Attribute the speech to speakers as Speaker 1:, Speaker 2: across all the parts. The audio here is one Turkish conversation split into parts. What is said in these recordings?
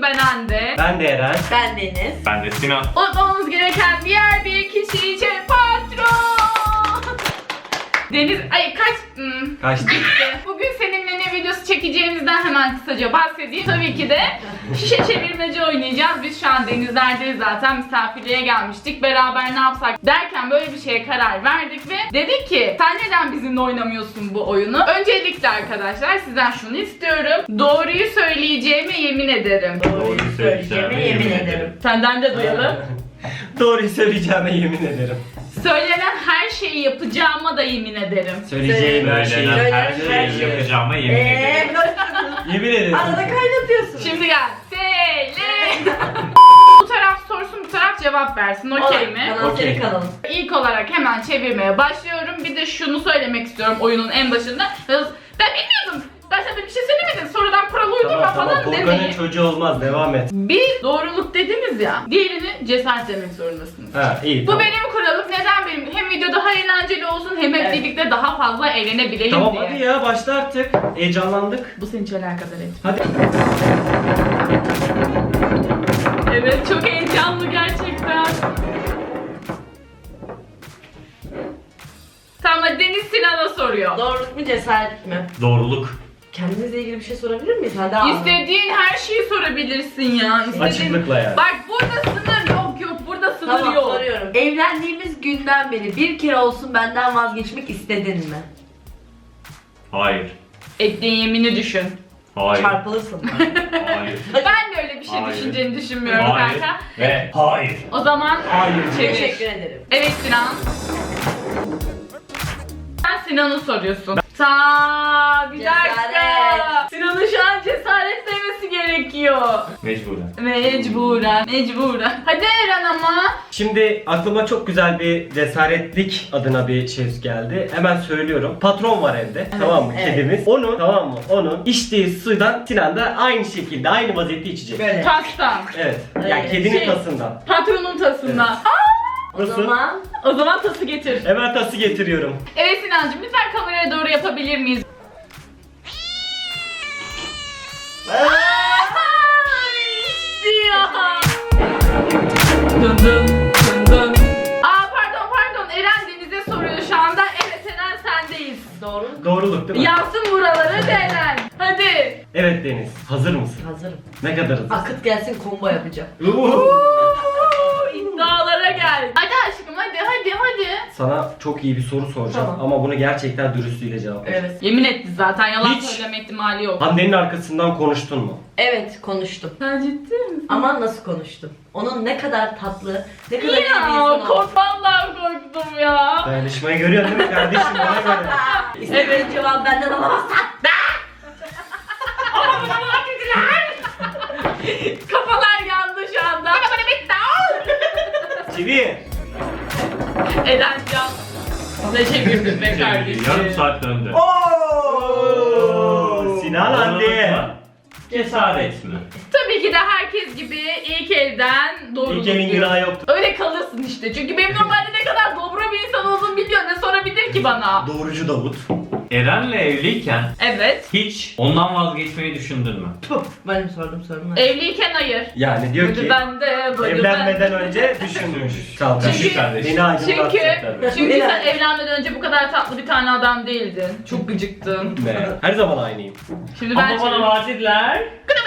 Speaker 1: Ben Hande.
Speaker 2: Ben de Eren.
Speaker 3: Ben Deniz.
Speaker 4: Ben de Sinan.
Speaker 1: Unutmamamız gereken diğer bir kişi için patron. Deniz, ay
Speaker 2: Kaçtı?
Speaker 1: Bugün seninle ne videosu çekeceğimizden hemen kısaca bahsedeyim. Tabii ki de şişe çevirmece oynayacağız. Biz şu an denizlerdeyiz zaten, misafirliğe gelmiştik. Beraber ne yapsak derken böyle bir şeye karar verdik ve dedik ki sen neden bizimle oynamıyorsun bu oyunu? Öncelikle arkadaşlar sizden şunu istiyorum. Doğruyu söyleyeceğime yemin ederim.
Speaker 3: Doğruyu söyleyeceğime yemin ederim.
Speaker 1: Senden de duyalım.
Speaker 2: Doğruyu söyleyeceğime yemin ederim.
Speaker 1: Söylenen her şeyi yapacağıma da yemin ederim.
Speaker 2: Söyleyeceğim her şeyi.
Speaker 4: Söylenen her
Speaker 3: Söylenen
Speaker 4: şeyi yapacağıma yemin ederim.
Speaker 2: Yemin ederim.
Speaker 3: Arada kaynatıyorsun.
Speaker 1: Şimdi gel. Söyle. Bu taraf sorsun, bu taraf cevap versin. Okey mi?
Speaker 3: Kanal
Speaker 2: Okey.
Speaker 3: senin kanalın.
Speaker 1: İlk olarak hemen çevirmeye başlıyorum. Bir de şunu söylemek istiyorum oyunun en başında. Ben bilmiyordum. Ben sana bir şey söylemedim. Sonradan kural uydurma falan
Speaker 2: Korkanın
Speaker 1: demeyin.
Speaker 2: çocuğu olmaz. Devam et.
Speaker 1: Bir doğruluk dediniz ya. Diğerini cesaret demek zorundasınız.
Speaker 2: Ha iyi.
Speaker 1: Bu
Speaker 2: tamam.
Speaker 1: benim kuralım. Neden benim? Hem video daha eğlenceli olsun hem hep
Speaker 3: Evet.
Speaker 1: birlikte daha fazla eğlenebilelim
Speaker 2: Tamam
Speaker 1: diye.
Speaker 2: hadi ya başla artık. Heyecanlandık.
Speaker 1: Bu seni hiç alakadar etmiyor.
Speaker 2: Hadi.
Speaker 1: Evet, çok heyecanlı gerçekten. Tamam, hadi Deniz Sinan'a soruyor.
Speaker 3: Doğruluk mu cesaret mi?
Speaker 4: Doğruluk.
Speaker 3: Kendimizle ilgili bir şey sorabilir miyiz? Hadi abi.
Speaker 1: İstediğin her şeyi sorabilirsin ya.
Speaker 2: Açıklıkla yani.
Speaker 1: Bak burada sınır yok, burada sınır
Speaker 3: Tamam
Speaker 1: yok.
Speaker 3: soruyorum. Evlendiğimiz günden beri bir kere olsun benden vazgeçmek istedin mi?
Speaker 4: Hayır.
Speaker 1: Ettiğin yemini düşün.
Speaker 4: Hayır.
Speaker 3: Çarpılırsın.
Speaker 4: Hayır.
Speaker 1: Ben de öyle bir şey
Speaker 4: Hayır.
Speaker 1: düşüneceğini düşünmüyorum
Speaker 4: Hayır.
Speaker 1: kanka.
Speaker 4: Ve hayır.
Speaker 1: O zaman
Speaker 2: Hayır.
Speaker 1: çevir.
Speaker 3: Teşekkür ederim.
Speaker 1: Evet Sinan. Sen Sinan'ı soruyorsun. Bir dakika.
Speaker 3: Cesaret.
Speaker 1: Sinan'ın şu an cesaret demesi gerekiyor.
Speaker 4: Mecburen.
Speaker 1: Mecburen. Hadi Eren ama.
Speaker 2: Şimdi aklıma çok güzel bir cesaretlik adına bir şey geldi. Hemen söylüyorum. Patron var evde. Tamam mı?
Speaker 3: evet.
Speaker 2: Kedimiz. Onun tamam mı? Onun içtiği sudan Sinan da aynı şekilde aynı vaziyette içecek.
Speaker 3: Böyle.
Speaker 1: Tastan.
Speaker 2: Evet. Yani
Speaker 3: Evet.
Speaker 2: kedinin
Speaker 1: Şey-
Speaker 2: tasından.
Speaker 1: Patronun tasından.
Speaker 3: O zaman
Speaker 1: O zaman tası getir.
Speaker 2: Hemen tası getiriyorum.
Speaker 1: Evet Sinancığım, lütfen kameraya doğru yapabilir miyiz? İşte ya. Dın dın dın dın. Pardon. Eren Deniz'e soruyor şu anda. Evet Eren sendeyiz.
Speaker 3: doğru.
Speaker 2: Doğruluk değil mi?
Speaker 1: Yansın buralara Eren. Hadi.
Speaker 2: Evet Deniz. Hazır mısın?
Speaker 3: Hazırım.
Speaker 2: Ne kadar hazır?
Speaker 3: Akıt gelsin combo yapacağım.
Speaker 1: İddialara gel. Hadi aşkım hadi.
Speaker 2: Sana çok iyi bir soru soracağım
Speaker 3: Tamam.
Speaker 2: ama bunu gerçekten dürüstlüğüyle cevap ver.
Speaker 3: Evet.
Speaker 1: Yemin etti zaten, yalan
Speaker 2: Hiç.
Speaker 1: söyleme ihtimali yok.
Speaker 2: Hande'nin arkasından konuştun mu?
Speaker 3: Evet konuştum.
Speaker 1: Sen ciddi misin?
Speaker 3: Ama nasıl konuştum? Onun ne kadar tatlı, ne kadar iyi bir
Speaker 1: Ya
Speaker 3: insan olduğunu.
Speaker 1: vallahi korktum ya.
Speaker 2: Dayanışmayı görüyorsun değil mi kardeşim? Bana göre.
Speaker 3: İstediğin cevabı benden alamazsan.
Speaker 1: Kafalar yandı şu anda.
Speaker 2: Çivi.
Speaker 1: Eden can. Ne çevirdin be kardeşim?
Speaker 4: Yarım saat döndü.
Speaker 2: Oo, Sinan Hande.
Speaker 4: Cesaret mi?
Speaker 1: Tabii ki de herkes gibi ilk elden doğruluk
Speaker 2: İlk elin
Speaker 1: diyor.
Speaker 2: günahı yoktu.
Speaker 1: Öyle kalırsın işte. Çünkü benim normalde ne kadar dobra bir insan olduğumu biliyor. Ne sorabilir ki bana?
Speaker 2: Doğrucu Davut.
Speaker 4: Eren'le evliyken
Speaker 1: Evet.
Speaker 4: hiç ondan vazgeçmeyi düşündün mü?
Speaker 3: Puh, benim sordum sorumlar.
Speaker 1: Evliyken hayır.
Speaker 2: Yani diyor ki evlenmeden önce düşünmüş. Çalkan.
Speaker 1: Çünkü-
Speaker 2: Beni
Speaker 1: Çünkü,
Speaker 2: aydınlatsın tabii.
Speaker 1: çünkü sen evlenmeden önce bu kadar tatlı bir tane adam değildin. Çok gıcıktın.
Speaker 2: Be, her zaman aynıyım.
Speaker 1: Şimdi ben
Speaker 4: Ama bana vaat ettiler.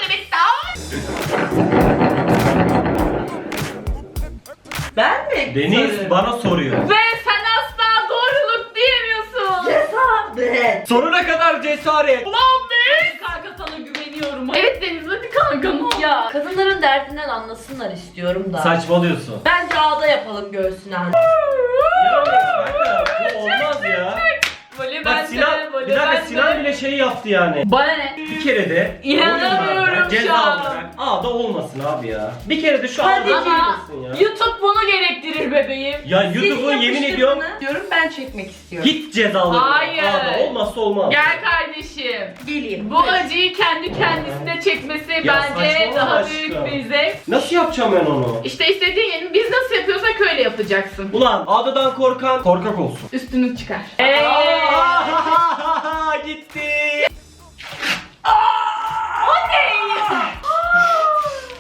Speaker 3: Ben mi?
Speaker 2: Deniz
Speaker 3: Soruyorum.
Speaker 2: bana soruyor.
Speaker 1: Ve sen asla doğruluk diyemiyorsun.
Speaker 3: Cesaret.
Speaker 2: Sonuna kadar cesaret.
Speaker 1: Ulan be! Kanka sana güveniyorum. Evet Deniz, hadi kanka ne olur.
Speaker 3: Ya kadınların derdinden anlasınlar istiyorum da.
Speaker 2: Saçmalıyorsun.
Speaker 3: Bence ağda yapalım göğsüne.
Speaker 2: Ya kanka bu olmaz ya.
Speaker 1: Böyle
Speaker 2: Bak
Speaker 1: bende,
Speaker 2: Sinan,
Speaker 1: böyle
Speaker 2: bir dakika
Speaker 1: bende.
Speaker 2: Sinan bile şey yaptı yani.
Speaker 1: Bana ne?
Speaker 2: Bir kere de
Speaker 1: İnanamıyorum
Speaker 2: oyunlarda
Speaker 1: şu
Speaker 2: ceza
Speaker 1: an.
Speaker 2: olarak ağda olmasın abi ya. Bir kere de şu
Speaker 3: Hadi
Speaker 2: ağda
Speaker 1: Ama
Speaker 2: olmasın ya.
Speaker 1: YouTube bunu gerektirir bebeğim.
Speaker 2: Ya
Speaker 3: Siz
Speaker 2: YouTube'u yemin
Speaker 3: yapıştır
Speaker 2: ediyorum
Speaker 3: bunu. Diyorum ben çekmek istiyorum.
Speaker 2: hiç cezalı.
Speaker 1: Hayır.
Speaker 2: Ağda olmazsa olmaz.
Speaker 1: Gel kardeşim.
Speaker 3: Geleyim.
Speaker 1: Bu acıyı kendi kendisine çekmesi
Speaker 2: Ya
Speaker 1: bence
Speaker 2: saçmalama
Speaker 1: daha
Speaker 2: aşkım.
Speaker 1: büyük bir zevk.
Speaker 2: Nasıl yapacağım ben onu?
Speaker 1: İşte istediğin yeri biz nasıl yapıyorsak öyle yapacaksın.
Speaker 2: Ulan ağdadan korkan korkak olsun.
Speaker 1: Üstünü çıkar.
Speaker 2: Gitti.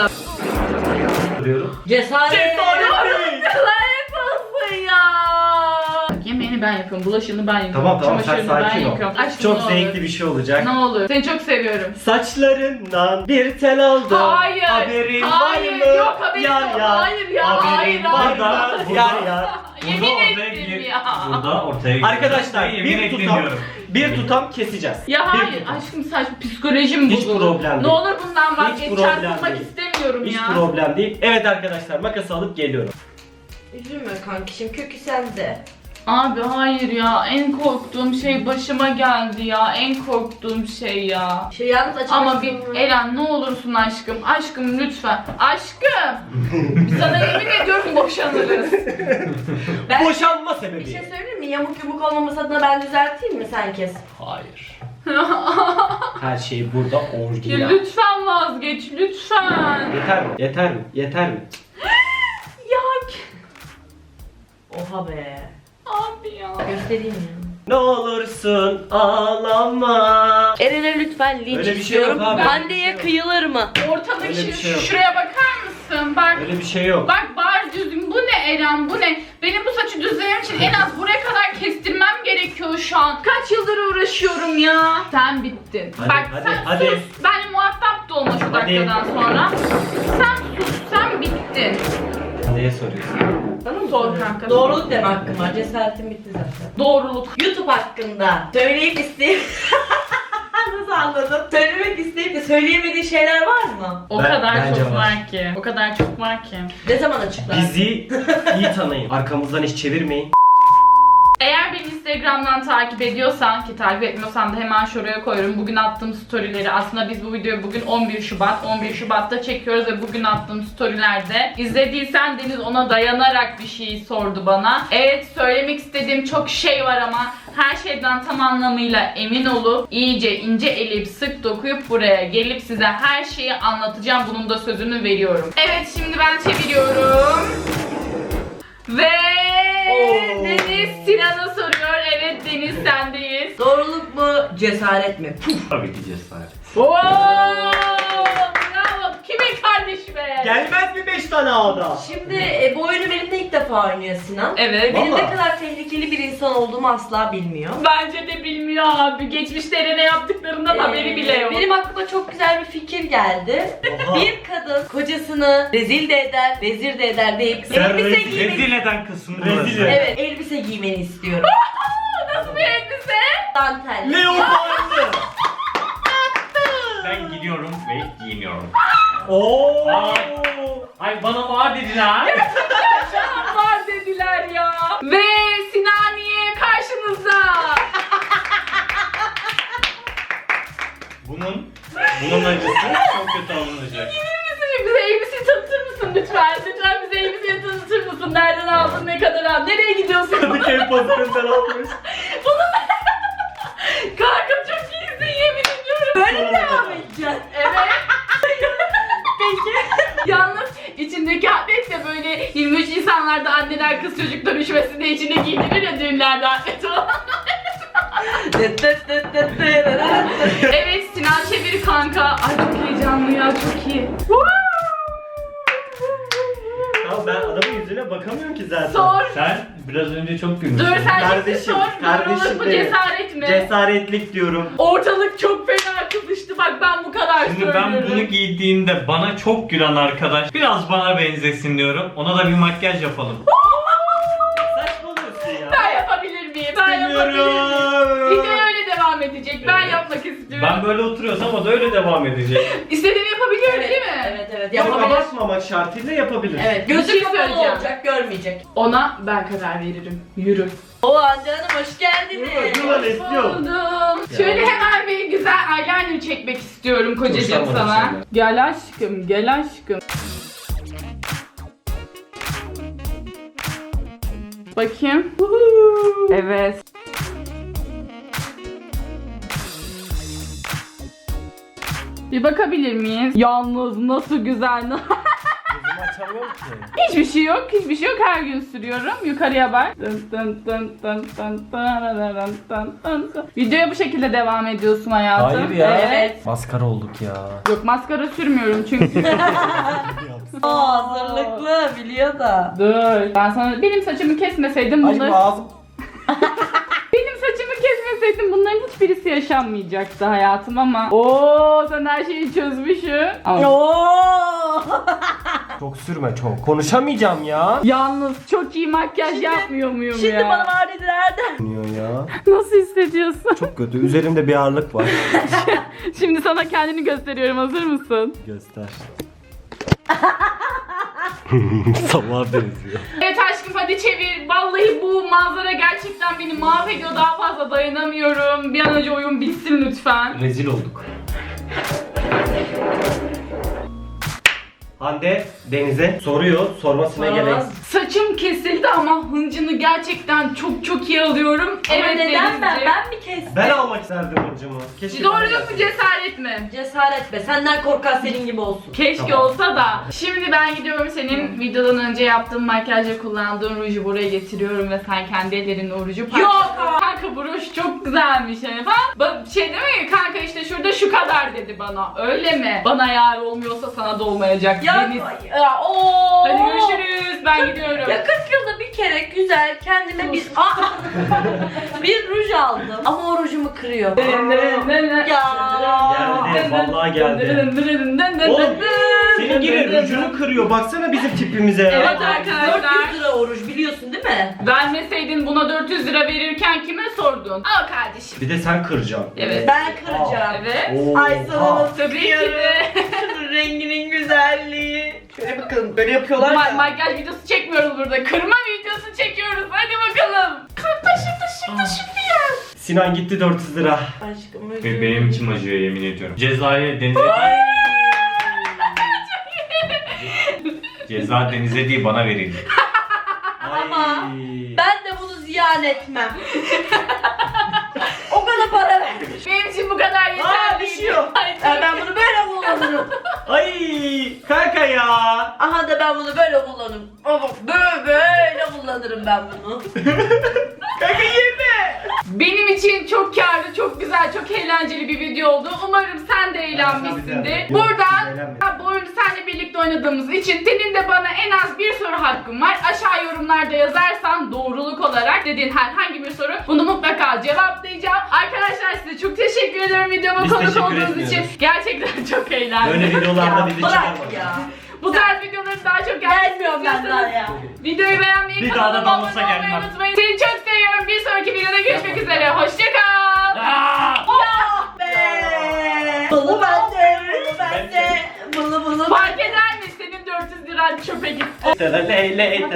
Speaker 3: sonra.
Speaker 2: Diyorum.
Speaker 3: Cesaret.
Speaker 1: Cesaret olsun ya. Yemeğini ben yapıyorum, bulaşığını ben yapıyorum.
Speaker 2: Tamam sen
Speaker 1: çamaşırını ben
Speaker 2: sakin ol.
Speaker 1: yıkıyorum. Aşkım,
Speaker 2: Çok
Speaker 1: ne olur.
Speaker 2: zevkli bir şey olacak.
Speaker 1: Ne olur. Seni çok seviyorum.
Speaker 2: Saçlarından bir tel aldım.
Speaker 1: Hayır.
Speaker 2: Haberin
Speaker 1: Hayır,
Speaker 2: var mı?
Speaker 1: yok haberim
Speaker 2: Yar
Speaker 1: yok.
Speaker 2: yar.
Speaker 1: Hayır ya,
Speaker 2: Haberin
Speaker 1: hayır,
Speaker 2: var
Speaker 1: hayır.
Speaker 2: mı? Yar yar.
Speaker 1: Yemin
Speaker 4: ortaya
Speaker 1: ettim
Speaker 4: gir-
Speaker 1: ya.
Speaker 4: Burada ortaya gir-
Speaker 2: Arkadaşlar
Speaker 4: Yemin
Speaker 2: bir tutam keseceğiz.
Speaker 1: Ya
Speaker 2: Bir
Speaker 1: hayır
Speaker 2: tutam.
Speaker 1: aşkım, saçma psikolojim
Speaker 2: Hiç
Speaker 1: bozuldu.
Speaker 2: problem
Speaker 1: Ne
Speaker 2: değil.
Speaker 1: olur bundan vazgeç,
Speaker 2: problem
Speaker 1: çarpılmak
Speaker 2: değil.
Speaker 1: istemiyorum
Speaker 2: Hiç
Speaker 1: ya.
Speaker 2: problem değil. Evet arkadaşlar, makası alıp geliyorum.
Speaker 3: Üzülme kankişim, kökü sende.
Speaker 1: Abi hayır ya, en korktuğum şey başıma geldi ya, en korktuğum şey ya.
Speaker 3: Yalnız açık.
Speaker 1: Ama bir Eren, ne olursun aşkım, aşkım lütfen, aşkım. Sana yemin ediyorum boşanırız.
Speaker 3: Ben
Speaker 2: Boşanma
Speaker 3: bir
Speaker 2: sebebi.
Speaker 3: şey söyleyeyim mi? Yamuk yumuk olmaması adına ben düzelteyim mi, sen kes?
Speaker 2: Hayır. Her şey burada
Speaker 1: Ya
Speaker 2: orijinal.
Speaker 1: lütfen vazgeç, lütfen.
Speaker 2: Yeter mi? Yeter mi? Yeter mi?
Speaker 1: Ya
Speaker 3: Oha be.
Speaker 1: abi ya.
Speaker 3: Göstereyim ya.
Speaker 2: Ne olursun ağlama.
Speaker 3: Eren'e lütfen linç
Speaker 2: Öyle bir şey
Speaker 3: istiyorum.
Speaker 2: yok abi.
Speaker 3: Hande'ye kıyılır mı?
Speaker 1: Ortadaki
Speaker 2: Öyle bir şey yok.
Speaker 1: şuraya bakar mısın? Bak.
Speaker 2: Öyle bir şey yok.
Speaker 1: Bak bari düzgün. Bu ne Eren? Bu ne? Benim bu saçı düzlemem için en az buraya kadar kestirmem gerekiyor şu an. Kaç yıldır uğraşıyorum ya. Sen bittin.
Speaker 2: Hadi,
Speaker 1: Bak
Speaker 2: hadi,
Speaker 1: sen
Speaker 2: hadi.
Speaker 1: sus. Benimle muhatap da olma şu
Speaker 2: Hadi.
Speaker 1: dakikadan sonra. Sen sus. Sen bittin.
Speaker 2: Neye soruyorsun?
Speaker 3: Bana mı
Speaker 1: Sor
Speaker 3: soruyorsun?
Speaker 1: kanka.
Speaker 3: Doğruluk deme hakkım var. Cesaretim bitti zaten.
Speaker 1: Doğruluk.
Speaker 3: YouTube hakkında söyleyip isteyip... Nasıl anladın? Söylemek isteyip de söyleyemediğin şeyler var mı?
Speaker 1: O
Speaker 2: Ben-
Speaker 1: kadar
Speaker 2: bence
Speaker 1: çok
Speaker 2: var.
Speaker 1: var ki. O kadar çok var ki.
Speaker 3: Ne zaman açıklar?
Speaker 2: Bizi iyi tanıyın. Arkamızdan hiç çevirmeyin.
Speaker 1: Eğer beni Instagram'dan takip ediyorsan, ki takip etmiyorsan da hemen şuraya koyuyorum. Bugün attığım storyleri, aslında biz bu videoyu bugün 11 Şubat'ta çekiyoruz ve bugün attığım storylerde izlediysen Deniz ona dayanarak bir şey sordu bana. Evet, söylemek istediğim çok şey var ama her şeyden tam anlamıyla emin olup iyice ince eleyip sık dokuyup buraya gelip size her şeyi anlatacağım. Bunun da sözünü veriyorum. Evet, şimdi ben çeviriyorum. Ve
Speaker 3: Oo.
Speaker 1: Deniz Sinan'a soruyor. Evet Deniz, sendeyiz.
Speaker 3: Doğruluk mu, cesaret mi? Puf.
Speaker 4: Tabii ki cesaret.
Speaker 1: Oo! Bravo. Kime kardeşime?
Speaker 2: Gelmez mi 5 tane ağda?
Speaker 3: Şimdi bu oyunu benimle ilk defa oynuyor Sinan.
Speaker 1: Evet.
Speaker 3: Benim
Speaker 2: Vallahi.
Speaker 3: ne kadar tehlikeli bir insan olduğumu asla bilmiyor.
Speaker 1: Bence de bilmiyor abi. Geçmişte ne yaptıklarından haberi bile yok.
Speaker 3: Benim aklıma çok güzel bir fikir geldi.
Speaker 2: Oha.
Speaker 3: Bir kadın kocasını rezil de eder, vezir de eder deyip
Speaker 2: Sen
Speaker 3: elbise
Speaker 2: rezil
Speaker 4: Rezil eden kısmı
Speaker 2: Rezil
Speaker 4: burası.
Speaker 2: et.
Speaker 3: Evet, elbise giymeni istiyorum.
Speaker 1: Nasıl bir elbise?
Speaker 3: Dantel.
Speaker 2: Leopardı.
Speaker 4: Ben gidiyorum ve giyiniyorum.
Speaker 2: Oo.
Speaker 4: Ay bana var dediler.
Speaker 1: Can var dediler ya. Ve Sinaniye karşınızda.
Speaker 4: Bunun acısı çok kötü alınacak.
Speaker 1: Bize elbiseyi tanıtır mısın lütfen? Lütfen bize elbiseyi tanıtır mısın? Nereden aldın, ne kadar aldın? Nereye gidiyorsun?
Speaker 2: Kadıköy pazarından almış.
Speaker 1: Kanka çok iyisin, yemin ediyorum.
Speaker 3: Böyle mi devam edeceksin?
Speaker 1: Evet. Peki. Yalnız içindeki atlet de böyle 23 Nisanlarda anneler kız çocuk dönüşmesinde içine giydirir ya, düğünlerde atlet olan. Evet, Sinan çevir kanka. Ay çok heyecanlı ya, çok iyi.
Speaker 2: Ya ben adamın yüzüne bakamıyorum ki zaten.
Speaker 1: Sor.
Speaker 4: Sen biraz önce çok gülmüşsün.
Speaker 1: Dur sen
Speaker 2: Kardeşim,
Speaker 1: şimdi sor.
Speaker 2: kardeşim
Speaker 1: Doğruluk mu,
Speaker 2: benim.
Speaker 1: cesaret mi?
Speaker 2: Cesaretlik diyorum.
Speaker 1: Ortalık çok fena kızıştı, bak ben bu kadar
Speaker 4: Şimdi
Speaker 1: söylüyorum.
Speaker 4: ben bunu giydiğimde bana çok gülen arkadaş biraz bana benzesin diyorum. Ona da bir makyaj yapalım.
Speaker 2: Saçmalıyorsun ya.
Speaker 1: Ben yapabilir miyim? Ben yapabilir miyim?
Speaker 2: Bilmiyorum.
Speaker 1: Video öyle devam edecek. Ben
Speaker 4: Evet.
Speaker 1: yapmak istiyorum.
Speaker 4: Ben böyle oturuyorsam o da öyle devam edecek.
Speaker 1: İstediğimi yapabiliyorum
Speaker 3: Evet,
Speaker 1: değil mi?
Speaker 3: evet.
Speaker 2: Yok,
Speaker 3: Yapabilir.
Speaker 2: abartmamak şartıyla yapabilir.
Speaker 3: Evet,
Speaker 1: Bir
Speaker 3: gözü
Speaker 1: şey
Speaker 3: kapalı
Speaker 1: söyleyeceğim.
Speaker 3: olacak, görmeyecek.
Speaker 1: Ona ben karar veririm. Yürü.
Speaker 3: Oo Hande Hanım, hoş geldiniz.
Speaker 2: Dur lan istiyorum.
Speaker 1: Buldum. Şöyle hemen bir güzel eyeliner çekmek istiyorum kocacığım
Speaker 2: Hoşlanmadım
Speaker 1: sana.
Speaker 2: senden.
Speaker 1: Gel aşkım, gel aşkım. Bakayım. Evet. Bir bakabilir miyiz? Yalnız nasıl güzel.
Speaker 2: Gözümü konuşamıyorum ki.
Speaker 1: Hiçbir şey yok, hiçbir şey yok. Her gün sürüyorum. Yukarıya bak. Dın dın dın dın dın dın dın dın dın. Videoya bu şekilde devam ediyorsun hayatım.
Speaker 2: Hayır ya.
Speaker 3: Evet.
Speaker 2: Maskara olduk ya.
Speaker 1: Yok, maskara sürmüyorum çünkü.
Speaker 3: Hazırlıklı biliyor da.
Speaker 1: Dur. Ben sana benim saçımı kesmeseydim
Speaker 2: Ay
Speaker 1: bunları...
Speaker 2: ağzım.
Speaker 1: Benim saçımı kesmeseydim bunların hiçbirisi yaşanmayacaktı hayatım ama. Oo, sen her şeyi çözmüşsün. Ama
Speaker 3: Oo.
Speaker 2: Çok sürme çok. Konuşamayacağım ya.
Speaker 1: yalnız çok iyi makyaj yapmıyor muyum
Speaker 3: Şimdi
Speaker 1: ya?
Speaker 3: bana var dedi nerede?
Speaker 2: Dinliyor ya.
Speaker 1: Nasıl hissediyorsun?
Speaker 2: Çok kötü. Üzerimde bir ağırlık var.
Speaker 1: Şimdi sana kendini gösteriyorum. Hazır mısın?
Speaker 2: Göster. Sabah benziyor.
Speaker 1: Evet aşkım, hadi çevir. Vallahi bu manzara gerçekten beni mahvediyor. Daha fazla dayanamıyorum. Bir an önce oyun bitsin lütfen.
Speaker 2: Rezil olduk. Hande Deniz'e soruyor. Sormasına
Speaker 3: Sormaz.
Speaker 2: gerek.
Speaker 1: Saçım kesildi ama hıncını gerçekten çok iyi alıyorum.
Speaker 3: Ama
Speaker 1: Evet
Speaker 3: neden
Speaker 1: Denizciğim.
Speaker 3: ben mi kestim?
Speaker 2: Ben almak isterdim hıncımı. Keşke
Speaker 1: Doğru
Speaker 2: ben
Speaker 1: mu,
Speaker 2: yapsaydım.
Speaker 1: cesaret mi?
Speaker 3: Cesaret be. Senden korkan senin gibi olsun.
Speaker 1: Keşke
Speaker 2: Tamam.
Speaker 1: olsa da. Şimdi ben gidiyorum, senin videodan önce yaptığım makyajla kullandığın ruju buraya getiriyorum ve sen kendi ellerinle o ruju
Speaker 3: Yok!
Speaker 1: Kanka bu ruj çok güzelmiş hani falan. Şey değil mi? Kanka işte şurada şu kadar dedi bana. Öyle mi? Bana yar olmuyorsa sana da olmayacak.
Speaker 3: Ya,
Speaker 1: Deniz.
Speaker 3: ooo.
Speaker 1: Hadi görüşürüz. Ben gidiyorum.
Speaker 3: Ya 40 yılda bir kere güzel kendime bir bir ruj aldım. Ama o rujumu kırıyor. Ya.
Speaker 2: Geldi, vallahi geldi. Oğlum, senin gibi rujunu kırıyor. Baksana bizim tipimize ya.
Speaker 1: Evet arkadaşlar.
Speaker 3: 400 lira o ruj biliyorsun değil mi?
Speaker 1: Vermeseydin buna 400 lira verirken kime sordun? Al kardeşim.
Speaker 2: Bir de sen kıracaksın.
Speaker 1: Evet.
Speaker 3: Ben kıracağım.
Speaker 1: Evet.
Speaker 2: Oo,
Speaker 3: Ay sana nasıl
Speaker 1: Tabii ki de.
Speaker 3: Şunun renginin güzelliği. Şöyle bakın böyle yapıyorlar ya.
Speaker 1: Makyaj videosu çekmiyoruz burada. Kırma videosu çekiyoruz. Hadi bakalım. Kalk taşı bir yer.
Speaker 2: Sinan gitti 400 lira.
Speaker 3: Aşkım
Speaker 4: Ve benim içim acıyor yemin ediyorum. Cezayı denize... Ceza denize değil bana verildi.
Speaker 3: Ama
Speaker 2: Ay.
Speaker 3: ben de bunu ziyan etmem. O kadar para vermiş.
Speaker 1: Benim için bu kadar yeterli.
Speaker 3: Aa düşüyor. Ben bunu böyle kullanırım.
Speaker 2: Ay kanka ya.
Speaker 3: Aha da ben bunu böyle kullanırım. Ama böyle kullanırım ben bunu.
Speaker 2: Kanka yeme.
Speaker 1: Benim için çok karlı, çok güzel, çok eğlenceli bir video oldu. Umarım sen de eğlenmişsindir.
Speaker 2: Yok,
Speaker 1: Buradan
Speaker 2: eğlenmedim.
Speaker 1: bu oyunu seninle birlikte oynadığımız için senin de bana en az bir soru hakkın var. Aşağı yorumlarda yazarsan doğruluk olarak dediğin herhangi bir soru, bunu mutlaka cevaplayacağım. Arkadaşlar size çok teşekkür ederim videoma
Speaker 2: Biz
Speaker 1: konuk
Speaker 2: teşekkür
Speaker 1: olduğunuz için.
Speaker 2: etmiyoruz.
Speaker 1: Gerçekten çok eğlendim.
Speaker 2: Böyle videolarda bizi
Speaker 3: Bırak
Speaker 2: çıkarma.
Speaker 3: ya.
Speaker 1: Bu tarz videoların daha çok
Speaker 3: Gelmiyorum ben daha ya.
Speaker 1: videoyu beğenmeyi,
Speaker 4: Bir daha da
Speaker 1: kanalıma
Speaker 4: dansa
Speaker 1: abone olmayı
Speaker 4: gelmem.
Speaker 1: unutmayın. Seni çok seviyorum. Bir sonraki videoda görüşmek üzere. Hoşçakal.
Speaker 3: Be. Bunu bende. Bunu.
Speaker 1: Fark eder mi? Senin 400 liran çöpe gitti.
Speaker 2: Leyle